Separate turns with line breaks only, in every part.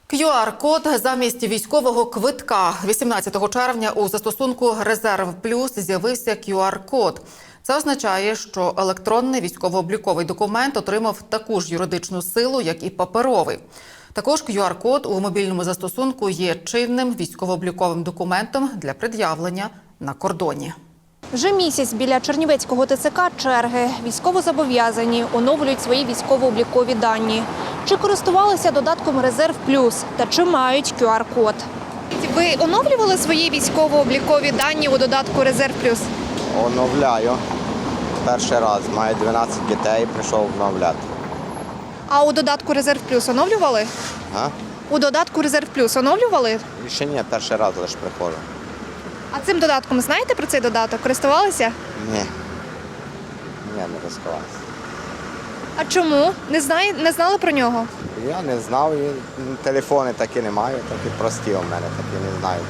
QR-код замість військового квитка. 18 червня у застосунку «Резерв Плюс» з'явився QR-код. Це означає, що електронний військово-обліковий документ отримав таку ж юридичну силу, як і паперовий. Також QR-код у мобільному застосунку є чинним військово-обліковим документом для пред'явлення на кордоні.
Вже місяць біля Чернівецького ТЦК черги. Військовозобов'язані оновлюють свої військово-облікові дані. Чи користувалися додатком «Резерв Плюс» та чи мають QR-код? Ви оновлювали свої військово-облікові дані у додатку «Резерв Плюс»?
Оновляю. Перший раз. Маю 12 дітей, прийшов оновляти.
А у додатку «Резерв Плюс» оновлювали?
А?
У додатку «Резерв Плюс» оновлювали?
Ще ні, перший раз лише приходжу.
А цим додатком знаєте про цей додаток? Користувалися?
Ні. Ні, не розкривався.
А чому? Не знали про нього?
Я не знав, і телефони такі не маю, такі прості у мене, такі не знаю.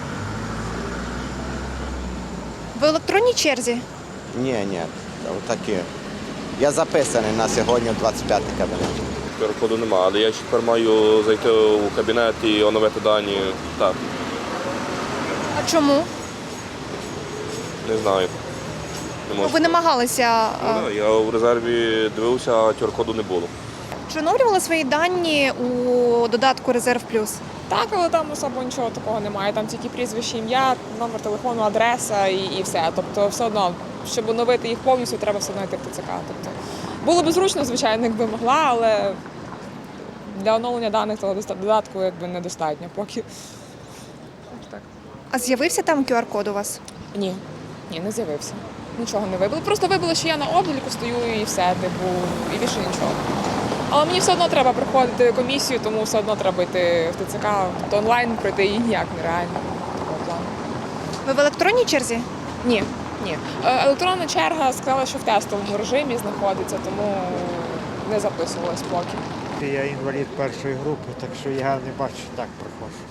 В електронній черзі?
Ні, отакі. Я записаний на сьогодні в 25 кабінет.
QR-коду немає, але я тепер маю зайти у кабінет і оновити дані. Так,
А чому?
не знаю. Не можу.
Ви намагалися.
Ну, да, я у резерві дивився, а QR-коду не було.
Чи оновлювали свої дані у додатку «Резерв Плюс»?
Так, але там особо нічого такого немає. Там тільки прізвище, ім'я, номер телефону, адреса і все. Тобто все одно, щоб оновити їх повністю, треба все одно йти в ТЦК. Тобто, було б зручно, звичайно, якби могла, але для оновлення даних того додатку якби недостатньо поки. Так.
А з'явився там QR-код у вас?
Ні, не з'явився. Нічого не вибило. Просто вибило, що я на обліку стою і все, типу, і більше нічого. Але мені все одно треба проходити комісію, тому все одно треба йти в ТЦК, тобто онлайн пройти її ніяк нереально. Такого плану.
Ви в електронній черзі?
Ні. Електронна черга сказала, що в тестовому режимі знаходиться, тому не записувалась поки.
Я інвалід першої групи, так що я не бачу, так проходжу.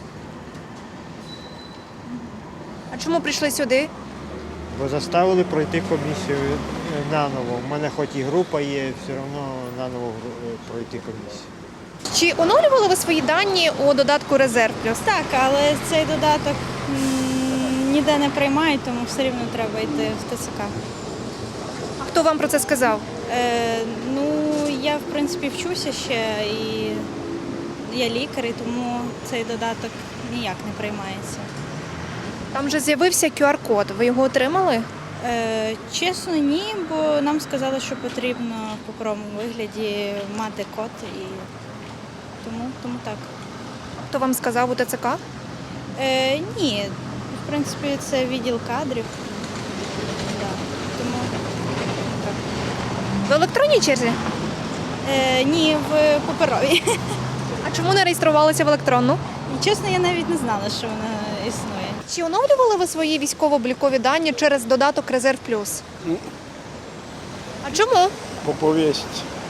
А чому прийшли сюди?
Бо заставили пройти комісію наново. У мене хоч і група є, все одно наново пройти комісію.
Чи оновлювали ви свої дані у додатку «Резерв Плюс»?
Так, але цей додаток ніде не приймають, тому все рівно треба йти в ТЦК.
А хто вам про це сказав?
Я, в принципі, вчуся ще, і я лікар, і тому цей додаток ніяк не приймається.
Там вже з'явився QR-код. Ви його отримали?
Чесно, ні, бо нам сказали, що потрібно в паперовому вигляді мати код, і тому так.
Хто вам сказав у ТЦК?
Ні, в принципі, це відділ кадрів. Да, тому так.
В електронній черзі?
Ні, в паперовій.
А чому не реєструвалися в електронну?
І, чесно, я навіть не знала, що вона існує.
Чи оновлювали ви свої військово-облікові дані через додаток «Резерв Плюс»?
Ні.
А чому?
По повістці.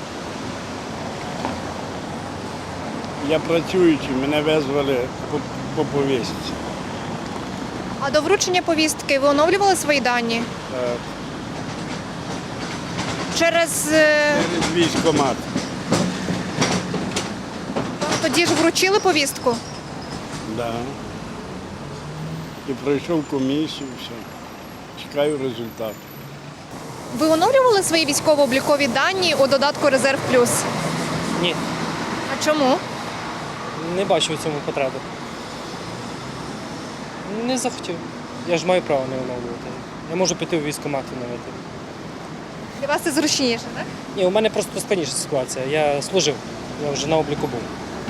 Я працюючий, мене визвали по повістці.
А до вручення повістки ви оновлювали свої дані? Через...
Через військкомат.
Тоді ж вручили повістку?
Да. І пройшов комісію, все. Чекаю результату.
Ви оновлювали свої військово-облікові дані у додатку «Резерв Плюс»?
Ні,
А чому?
не бачу в цьому потреби. Не захотів. Я ж маю право не оновлювати. Я можу піти в військкомат і оновити.
Для вас це зручніше, так?
Ні, у мене просто складніша ситуація. Я служив, я вже на обліку був.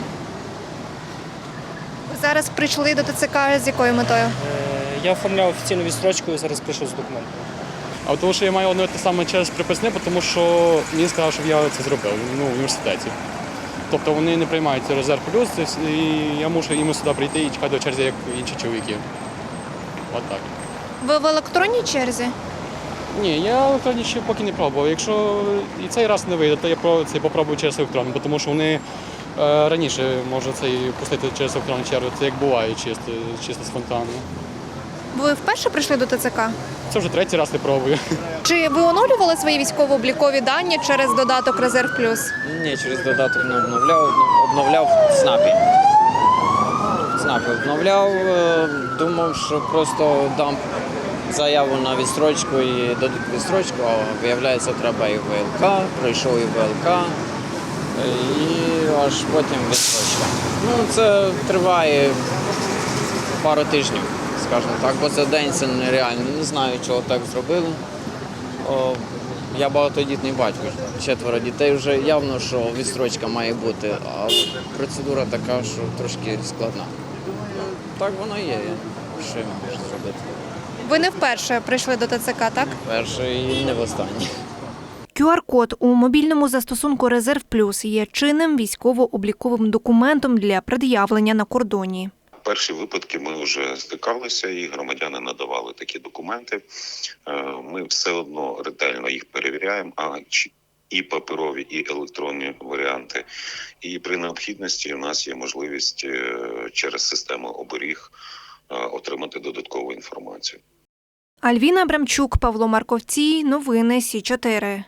Ви зараз прийшли до ТЦК з якою метою?
Я оформляв офіційну відстрочку і зараз прийшов з документами.
А тому, що я маю оновити саме через приписне, тому що мені сказали, щоб я це зробив в університеті. Тобто вони не приймають «Резерв Плюс», і я мушу їм сюди прийти і чекати до черзі, як інші чоловіки. От так.
Ви в електронній черзі?
Ні, я електронні ще поки не пробував. Якщо і цей раз не вийде, то я попробую через електронну, тому що вони раніше можуть цей пустити через електронну чергу. Це як буває чисто спонтанно.
Ви вперше прийшли до ТЦК?
Це вже третій раз не пробую.
Чи ви оновлювали свої військово-облікові дані через додаток «Резерв Плюс»?
Ні, через додаток не обновляв в ЦНАПі. ЦНАП відновляв, думав, що просто дам заяву на відстрочку і дадуть відстрочку, а виявляється, треба і ВЛК, пройшов і ВЛК, і аж потім відстрочка. Ну, це триває пару тижнів, скажімо так, бо за день це нереально. Не знаю, чого так зробили. Я багатодітний батько, 4 дітей вже явно, що відстрочка має бути, а процедура така, що трошки складна. Так воно є, що я можу зробити.
Ви не вперше прийшли до ТЦК, так?
Перше і не востаннє.
QR-код у мобільному застосунку «Резерв Плюс» є чинним військово-обліковим документом для пред'явлення на кордоні.
Перші випадки ми вже стикалися, і громадяни надавали такі документи. Ми все одно ретельно їх перевіряємо, і паперові, і електронні варіанти. І при необхідності у нас є можливість через систему оберіг отримати додаткову інформацію.
Альвіна Абрамчук, Павло Марковцій. Новини Сі 4.